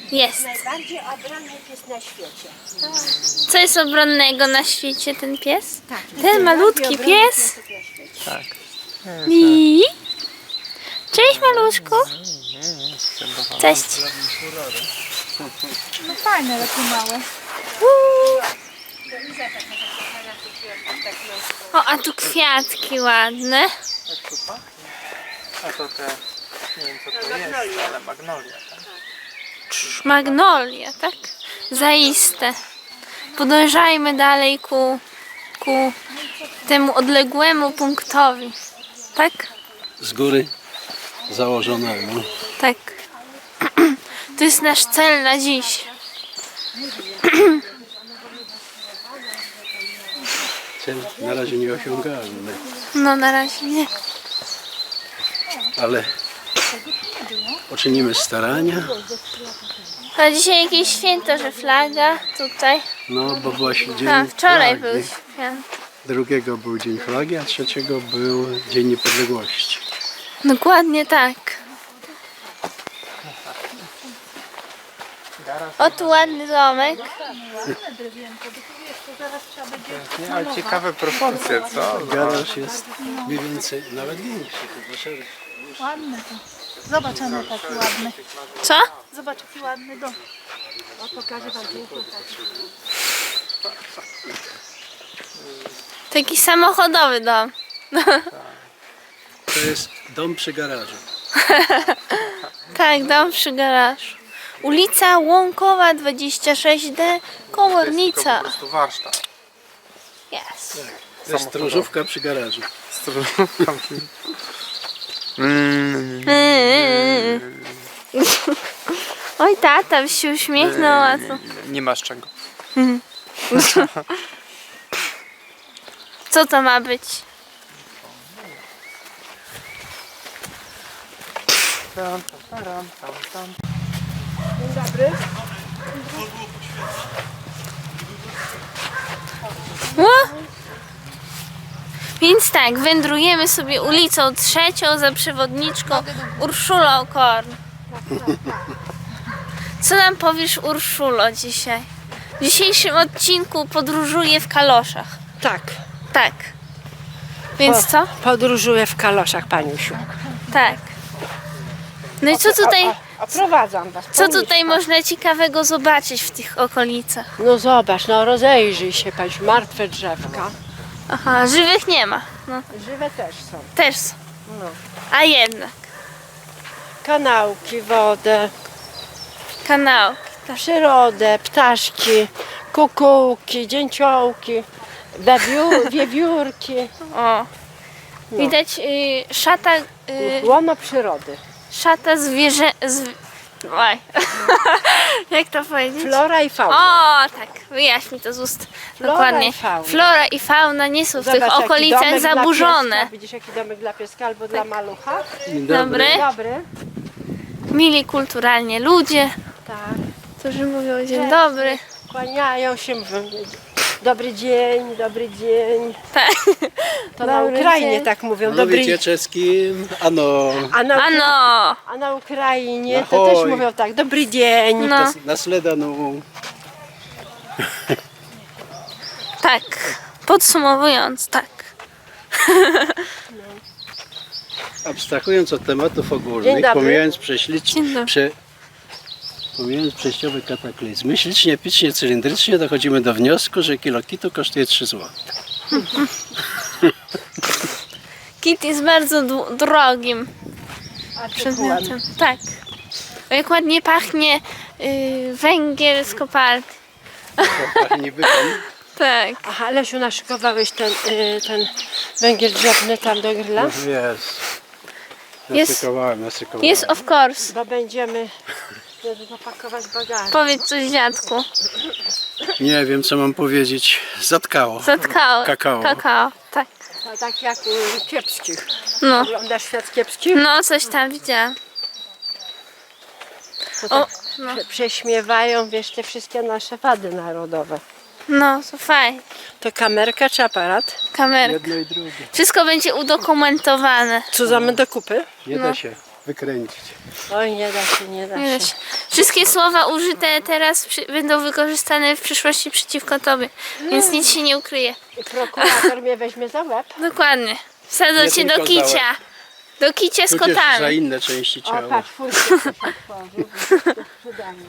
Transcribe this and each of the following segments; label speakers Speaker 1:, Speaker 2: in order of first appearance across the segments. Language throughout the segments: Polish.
Speaker 1: Jest.
Speaker 2: Najbardziej obronny pies na świecie.
Speaker 1: Co jest obronnego na świecie ten pies?
Speaker 2: Tak.
Speaker 1: Ten malutki pies?
Speaker 3: Tak.
Speaker 1: I... Cześć maluszku. Cześć.
Speaker 2: No fajne, ale tu małe.
Speaker 1: O, a tu kwiatki ładne.
Speaker 3: A to te, nie wiem co to jest, ale magnolia. Tak?
Speaker 1: Magnolia, tak? Zaiste. Podążajmy dalej ku temu odległemu punktowi. Tak?
Speaker 4: Z góry założonemu.
Speaker 1: Tak. To jest nasz cel na dziś.
Speaker 4: Cel na razie nieosiągalny,
Speaker 1: No na razie nie.
Speaker 4: ale poczynimy starania.
Speaker 1: A dzisiaj jakieś święto, że flaga tutaj.
Speaker 4: No bo właśnie dzień
Speaker 1: A, wczoraj
Speaker 4: flagi.
Speaker 1: był święto.
Speaker 4: Drugiego był Dzień Flagi, a trzeciego był Dzień Niepodległości.
Speaker 1: Dokładnie tak. O, tu ładny domek.
Speaker 3: Nie, ale ciekawe proporcje, co?
Speaker 4: Garaż jest mniej więcej nawet większy. Chyba szerszy.
Speaker 2: Ładne to. Zobacz, one taki ładny.
Speaker 1: Co?
Speaker 2: Zobacz, jaki ładny dom. O, pokażę wam pięknie.
Speaker 1: Taki samochodowy dom.
Speaker 4: To jest dom przy garażu.
Speaker 1: Tak, dom przy garażu. Ulica Łąkowa 26D,
Speaker 3: To jest
Speaker 1: Komornica.
Speaker 3: po prostu warsztat.
Speaker 1: Yes.
Speaker 4: To jest stróżówka przy garażu.
Speaker 1: Oj, tata by się uśmiechnął, a co?
Speaker 3: Nie masz czego.
Speaker 1: Co to ma być?
Speaker 2: Dzień dobry.
Speaker 1: Ło! Więc tak, wędrujemy sobie ulicą Trzecią za przewodniczką Urszulą Korn. Co nam powiesz, Urszulo, dzisiaj? W dzisiejszym odcinku podróżuję w kaloszach.
Speaker 5: Tak,
Speaker 1: Tak. Więc co?
Speaker 5: podróżuję w kaloszach, Paniusiu.
Speaker 1: Tak. No i co tutaj,
Speaker 5: Oprowadzam was.
Speaker 1: co tutaj można ciekawego zobaczyć w tych okolicach?
Speaker 5: No zobacz, no rozejrzyj się, Paniusiu, martwe drzewka.
Speaker 1: Aha, żywych nie ma. No,
Speaker 5: Żywe też są.
Speaker 1: też są.
Speaker 5: No.
Speaker 1: A jednak.
Speaker 5: Kanałki, wodę,
Speaker 1: Kanał.
Speaker 5: przyrodę, ptaszki, kukułki, dzięciołki, wiewiórki.
Speaker 1: O. Widać szata,
Speaker 5: Łono przyrody.
Speaker 1: szata zwierzę... Oj. Jak to powiedzieć?
Speaker 5: Flora i fauna.
Speaker 1: O, tak, wyjaśnij to z ust.
Speaker 5: Flora
Speaker 1: Dokładnie.
Speaker 5: i fauna.
Speaker 1: Flora i fauna nie są w
Speaker 5: Zobacz,
Speaker 1: tych
Speaker 5: jaki
Speaker 1: okolicach
Speaker 5: domek dla
Speaker 1: zaburzone.
Speaker 5: pieska. Widzisz, jaki domek dla pieska albo dla malucha?
Speaker 4: Dzień
Speaker 1: Dobry.
Speaker 5: Dobry.
Speaker 1: Mili kulturalnie ludzie,
Speaker 5: Tak.
Speaker 1: którzy mówią dzień dobry.
Speaker 5: Kłaniają się, mówią dobry dzień, dobry dzień.
Speaker 1: Tak.
Speaker 5: To na
Speaker 1: Dobry
Speaker 5: Ukrainie
Speaker 1: dzień.
Speaker 5: tak mówią.
Speaker 4: Mówicie czeskim, ano,
Speaker 1: Ano.
Speaker 5: A na Ukrainie to
Speaker 4: Ahoj.
Speaker 5: też mówią tak, dobry dzień.
Speaker 1: No,
Speaker 4: nasledaną.
Speaker 1: tak. Podsumowując, tak.
Speaker 4: Abstrahując od tematów
Speaker 5: Dzień
Speaker 4: ogólnych,
Speaker 5: dobry.
Speaker 1: Dzień dobry.
Speaker 4: pomijając przejściowe kataklizmy, ślicznie, picznie, cylindrycznie dochodzimy do wniosku, że kilo kitu kosztuje 3 zł.
Speaker 1: Kit jest bardzo drogim przedmiotem. Tak. O, jak ładnie pachnie węgiel z kopalni.
Speaker 4: Niby pan.
Speaker 1: Tak.
Speaker 5: Aha, Lesiu, naszykowałeś ten węgiel drzewny tam do grilla?
Speaker 4: Jest.
Speaker 1: Jest-
Speaker 4: Nasykowałem.
Speaker 1: Jest of course.
Speaker 5: Bo będziemy zapakować bagaż.
Speaker 1: Powiedz coś, dziadku.
Speaker 4: Nie wiem, co mam powiedzieć. Zatkało.
Speaker 1: Zatkało.
Speaker 4: Kakao.
Speaker 1: Kakao, tak.
Speaker 5: No, tak jak kiepskich.
Speaker 1: No.
Speaker 5: Oglądasz świat kiepskich?
Speaker 1: No, coś tam widziałam.
Speaker 5: To
Speaker 1: O,
Speaker 5: tak
Speaker 1: no.
Speaker 5: prześmiewają, wiesz, te wszystkie nasze wady narodowe.
Speaker 1: No, to fajnie.
Speaker 5: To kamerka czy aparat?
Speaker 1: Kamerka.
Speaker 4: Jedno i drugie.
Speaker 1: Wszystko będzie udokumentowane.
Speaker 5: Co za do kupy?
Speaker 4: Nie da się. wykręcić.
Speaker 5: Oj, nie da się, nie da
Speaker 1: Nie da
Speaker 5: się.
Speaker 1: się. Wszystkie słowa użyte teraz będą wykorzystane w przyszłości przeciwko tobie, więc nic się nie ukryje.
Speaker 5: I prokurator mnie weźmie za łeb.
Speaker 1: Dokładnie. Wsadzą
Speaker 4: Nie
Speaker 1: cię do
Speaker 4: tylko za łeb.
Speaker 1: kicia. Do kicia z
Speaker 4: Tudzież za
Speaker 1: kotami.
Speaker 4: inne części
Speaker 5: O,
Speaker 4: ciała.
Speaker 5: patrz, twój się otworzył. Sprzedamy.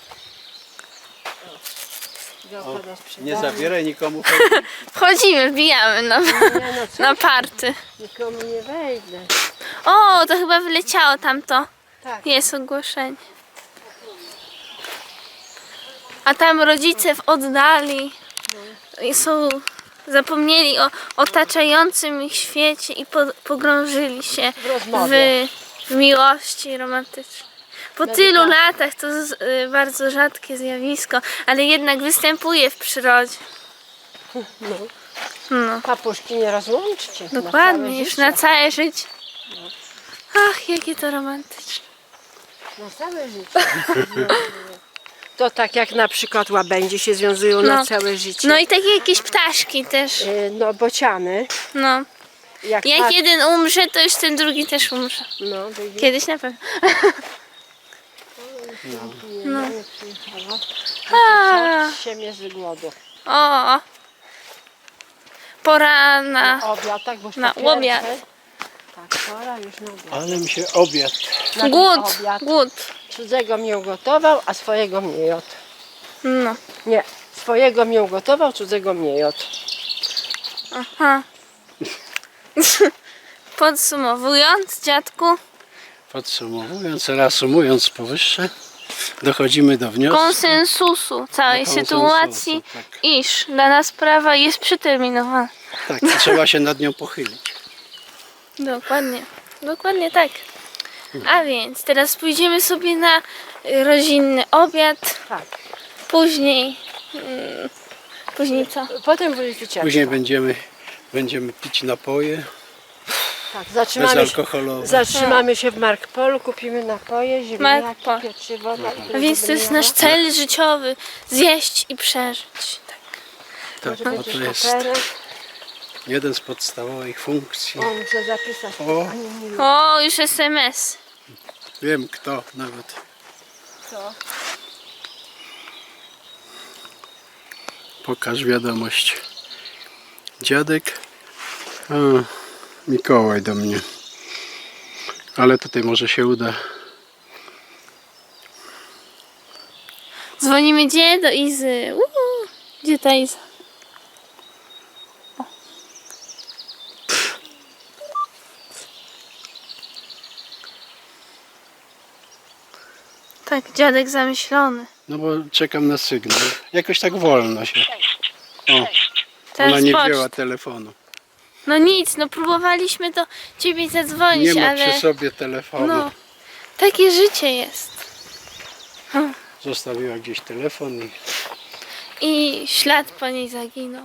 Speaker 4: Nie zabieraj nikomu.
Speaker 1: Wchodzimy, wbijamy
Speaker 5: Nie no, co?
Speaker 1: na party.
Speaker 5: Nikomu nie wejdę.
Speaker 1: O, to chyba wyleciało tamto.
Speaker 5: Tak.
Speaker 1: Jest ogłoszenie. A tam rodzice w oddali zapomnieli o otaczającym ich świecie i pogrążyli się
Speaker 5: W rozmowie.
Speaker 1: w miłości romantycznej. Po tylu latach to bardzo rzadkie zjawisko, ale jednak występuje w przyrodzie. No,
Speaker 5: Papuszki nie rozłączcie.
Speaker 1: dokładnie, już na
Speaker 5: całe
Speaker 1: całe życie. Ach, jakie to romantyczne.
Speaker 5: Na całe życie. To tak jak na przykład łabędzie się związują
Speaker 1: No.
Speaker 5: na całe życie.
Speaker 1: No i takie jakieś ptaszki też.
Speaker 5: No bociany.
Speaker 1: No.
Speaker 5: Jak
Speaker 1: Jak jeden umrze, to już ten drugi też umrze.
Speaker 5: No, widzisz?
Speaker 1: Kiedyś na pewno.
Speaker 5: No. Nie przyjechała.
Speaker 1: A,
Speaker 5: Się mnie z głodu.
Speaker 1: o. Pora na...
Speaker 5: Obiad, tak, bo już
Speaker 1: na
Speaker 5: po
Speaker 1: obiad.
Speaker 5: pierwsze. Tak, pora już na obiad.
Speaker 4: Ale mi się obiad.
Speaker 5: Na ten
Speaker 1: Głód.
Speaker 5: obiad.
Speaker 1: Głód.
Speaker 5: Cudzego mnie ugotował, a swojego mnie jadł.
Speaker 1: No.
Speaker 5: Nie, swojego mnie ugotował, cudzego mnie jadł.
Speaker 1: Aha. Podsumowując, dziadku,
Speaker 4: Podsumowując, reasumując powyższe, dochodzimy do wniosku.
Speaker 1: konsensusu całej
Speaker 4: Do konsensusu,
Speaker 1: sytuacji,
Speaker 4: tak.
Speaker 1: iż dana sprawa jest przeterminowana.
Speaker 4: Tak, i trzeba się nad nią pochylić.
Speaker 1: Dokładnie. Dokładnie tak. A więc teraz pójdziemy sobie na rodzinny obiad.
Speaker 5: Tak.
Speaker 1: Później... Później co?
Speaker 5: Potem byli wycieczka.
Speaker 4: Później będziemy pić napoje
Speaker 5: Tak,
Speaker 4: bezalkoholowe.
Speaker 5: zatrzymamy się w Markpolu, kupimy napoje, ziemniaki,
Speaker 1: Markpol.
Speaker 5: pieczywo.
Speaker 1: A więc to jest nasz cel życiowy. Zjeść i przeżyć. Tak.
Speaker 4: Tak, bo to jest jeden z podstawowych funkcji.
Speaker 5: O, muszę zapisać.
Speaker 4: O.
Speaker 5: Ani nie wiem.
Speaker 1: O, już SMS.
Speaker 4: Wiem kto nawet.
Speaker 5: Co?
Speaker 4: Pokaż wiadomość. Dziadek. A, Mikołaj do mnie. Ale tutaj może się uda.
Speaker 1: Dzwonimy gdzie? Do Izy. Gdzie ta Iza? O. Tak, dziadek zamyślony.
Speaker 4: No bo czekam na sygnał. Jakoś tak wolno się. O,
Speaker 1: Teraz
Speaker 4: ona nie
Speaker 1: poczta.
Speaker 4: wzięła telefonu.
Speaker 1: No nic, no próbowaliśmy do ciebie zadzwonić,
Speaker 4: Nie ma
Speaker 1: ale
Speaker 4: przy sobie telefonu.
Speaker 1: no, takie życie jest.
Speaker 4: Zostawiła gdzieś telefon
Speaker 1: I ślad po niej zaginął.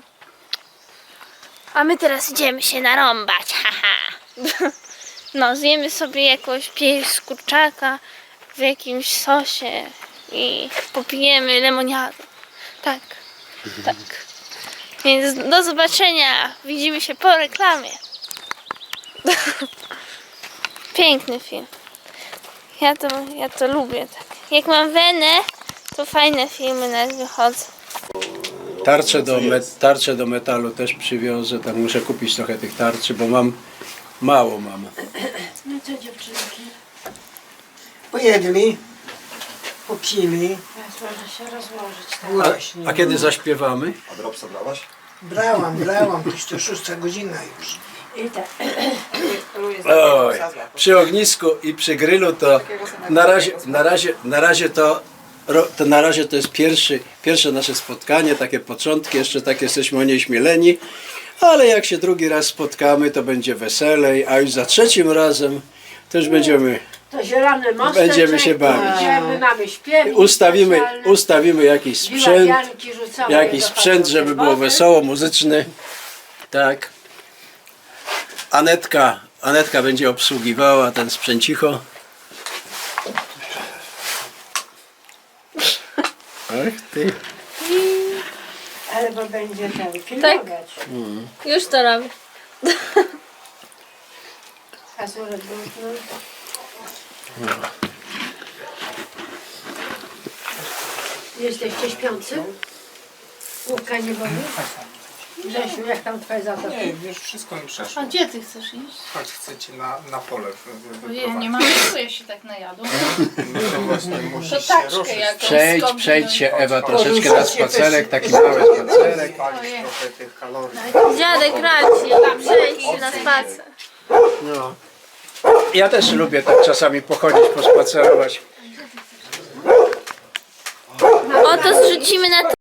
Speaker 1: A my teraz idziemy się narąbać, haha. No, zjemy sobie jakąś pierś z kurczaka w jakimś sosie i popijemy lemoniadę. Tak, tak. Więc do zobaczenia. Widzimy się po reklamie. Piękny film. Ja to lubię. Tak. Jak mam wenę, to fajne filmy nas wychodzą.
Speaker 4: Tarcze do metalu też przywiozę. Tak muszę kupić trochę tych tarczy, bo mało mam.
Speaker 5: No co dziewczynki?
Speaker 2: Pojedli, popili.
Speaker 5: Teraz można się rozłożyć. Tak.
Speaker 2: Właśnie.
Speaker 4: A kiedy zaśpiewamy?
Speaker 3: A dropsa brałaś?
Speaker 2: Brałam, to już to 6 godzina już.
Speaker 5: I tak.
Speaker 4: Oj, przy ognisku i przy grillu to na razie to jest pierwsze nasze spotkanie, takie początki, jeszcze tak jesteśmy onieśmieleni, ale jak się drugi raz spotkamy, to będzie weselej, a już za trzecim razem to już
Speaker 5: To zielony mostek.
Speaker 4: Będziemy się bawić.
Speaker 5: Idziemy, mamy śpiewnik.
Speaker 4: ustawimy jakiś sprzęt, żeby było wesoło, muzyczny. Tak. Anetka będzie obsługiwała ten sprzęcicho. Ach ty.
Speaker 5: Albo będzie ten filmować.
Speaker 1: Już to robię.
Speaker 5: A Jesteście śpiący? Główka nie boli? Grzesiu, jak tam twoje zatoki?
Speaker 3: Nie, już wszystko mi przeszło.
Speaker 2: A gdzie ty chcesz iść?
Speaker 3: Chodź, chcecie na pole
Speaker 2: Ojej, nie mam siły, ja się tak najadł.
Speaker 3: No właśnie, musisz
Speaker 2: To
Speaker 3: się
Speaker 2: taczkę
Speaker 3: ruszyć.
Speaker 2: jakąś
Speaker 4: Przejdź się Ewa
Speaker 3: Chodź,
Speaker 4: troszeczkę na spacerek, taki mały spacerek.
Speaker 3: Spalić trochę tych kalorii.
Speaker 1: Dziadek radzi, przejdź na spacer.
Speaker 4: No. Ja też lubię tak czasami pochodzić, pospacerować.
Speaker 1: O, to zrzucimy na